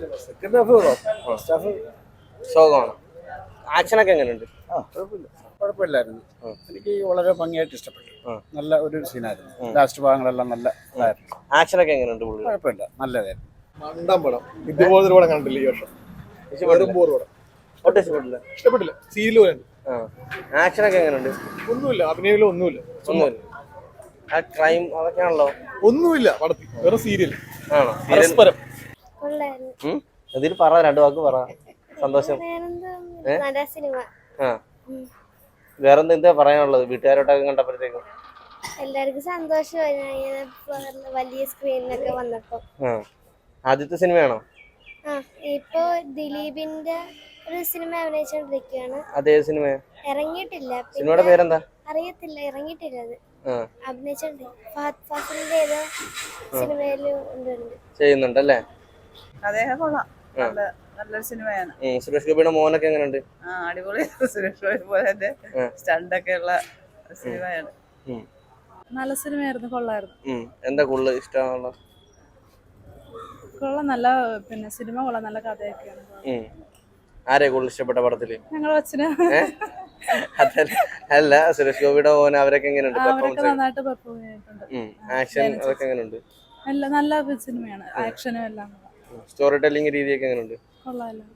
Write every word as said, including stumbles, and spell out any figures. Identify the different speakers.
Speaker 1: Second half first half
Speaker 2: ശോകമാണ്. ആക്ഷനൊക്കെ എങ്ങനെയുണ്ട്?
Speaker 1: ആ കുഴപ്പമില്ല കുഴപ്പമില്ലായിരുന്നു. എനിക്ക് വളരെ ഭംഗിയായിട്ട് ഇഷ്ടപ്പെട്ടു. നല്ല ഒരു സീനായിരുന്നു. ലാസ്റ്റ് ഭാഗങ്ങളെല്ലാം നല്ല ഇതായിരുന്നു.
Speaker 2: ആക്ഷനൊക്കെ എങ്ങനെയുണ്ട്?
Speaker 1: കുഴപ്പമില്ല നല്ലതായിരുന്നു.
Speaker 3: മണ്ടം പടം. ഇതുപോലൊരു പടം കണ്ടില്ല ഈ വർഷം.
Speaker 2: ഇഷ്ടപ്പെട്ടില്ല?
Speaker 3: പടം
Speaker 2: ഒട്ടും ഇഷ്ടപ്പെട്ടില്ല.
Speaker 3: ഇഷ്ടപ്പെട്ടില്ല. സീരിയൽ പോലെ
Speaker 2: ആക്ഷനൊക്കെ എങ്ങനെയുണ്ട്?
Speaker 3: ഒന്നുമില്ല, അഭിനയിലും ഒന്നുമില്ല.
Speaker 2: ഒന്നുമില്ല. ആ ക്രൈം അതൊക്കെയാണല്ലോ.
Speaker 3: ഒന്നുമില്ല പടത്തിൽ, വേറെ സീരിയൽ
Speaker 2: ആണോ?
Speaker 3: പരസ്പരം.
Speaker 2: ഇതിൽ പറ, രണ്ടു വാക്ക് പറ. സന്തോഷം. ആ വേറെന്താ എന്താ പറയാനുള്ളത് വീട്ടുകാരോട്ടൊക്കെ കണ്ടപ്പോഴത്തേക്കും?
Speaker 4: എല്ലാവർക്കും സന്തോഷമായി വലിയ സ്ക്രീനിലൊക്കെ വന്നപ്പോ.
Speaker 2: ആദ്യത്തെ സിനിമയാണോ?
Speaker 4: ആ ഇപ്പൊ ദിലീപിന്റെ ഒരു സിനിമ അഭിനയിച്ചോണ്ടിരിക്കുകയാണ്.
Speaker 2: അതേ സിനിമ
Speaker 4: ഇറങ്ങിയിട്ടില്ല.
Speaker 2: സിനിമയുടെ പേരെന്താ
Speaker 4: അറിയത്തില്ല, ഇറങ്ങിയിട്ടില്ല. അത് അഭിനയിച്ചോണ്ട് ഫഹദ് ഫാസിലിന്റെ ഏതോ സിനിമയില്
Speaker 2: ചെയ്യുന്നുണ്ടല്ലേ?
Speaker 5: അദ്ദേഹം കൊള്ളാം, നല്ലൊരു സിനിമയാണ്.
Speaker 2: സുരേഷ് ഗോപിയുടെ മോനൊക്കെ എങ്ങനെയുണ്ട്?
Speaker 5: ആ അടിപൊളി. സുരേഷ് ഗോപി പോലെ സ്റ്റണ്ടൊക്കെ ഉള്ള സിനിമയാണ്. നല്ല സിനിമയായിരുന്നു, കൊള്ളായിരുന്നു.
Speaker 2: എന്താ കൂടുതൽ ഇഷ്ടമുള്ള?
Speaker 5: കൊള്ളാം, നല്ല പിന്നെ സിനിമ കൊള്ളാം, നല്ല കഥയൊക്കെയാണ്.
Speaker 2: ആരെയാ കൂടുതൽ ഇഷ്ടപ്പെട്ട പടത്തില്?
Speaker 5: ഞങ്ങൾ അച്ഛന്
Speaker 2: അല്ല, സുരേഷ് ഗോപിയുടെ മോൻ അവരൊക്കെ എങ്ങനെയുണ്ട്?
Speaker 5: അവരൊക്കെ നന്നായിട്ട് പെർഫോം ചെയ്തിട്ടുണ്ട്.
Speaker 2: ആക്ഷൻ അതൊക്കെ എങ്ങനെയുണ്ട്?
Speaker 5: എല്ലാം നല്ല സിനിമയാണ്, ആക്ഷനും എല്ലാം.
Speaker 2: സ്റ്റോറി ടെല്ലിംഗ് രീതിയൊക്കെ എങ്ങനെയുണ്ട്?
Speaker 5: കൊള്ളാമല്ലോ.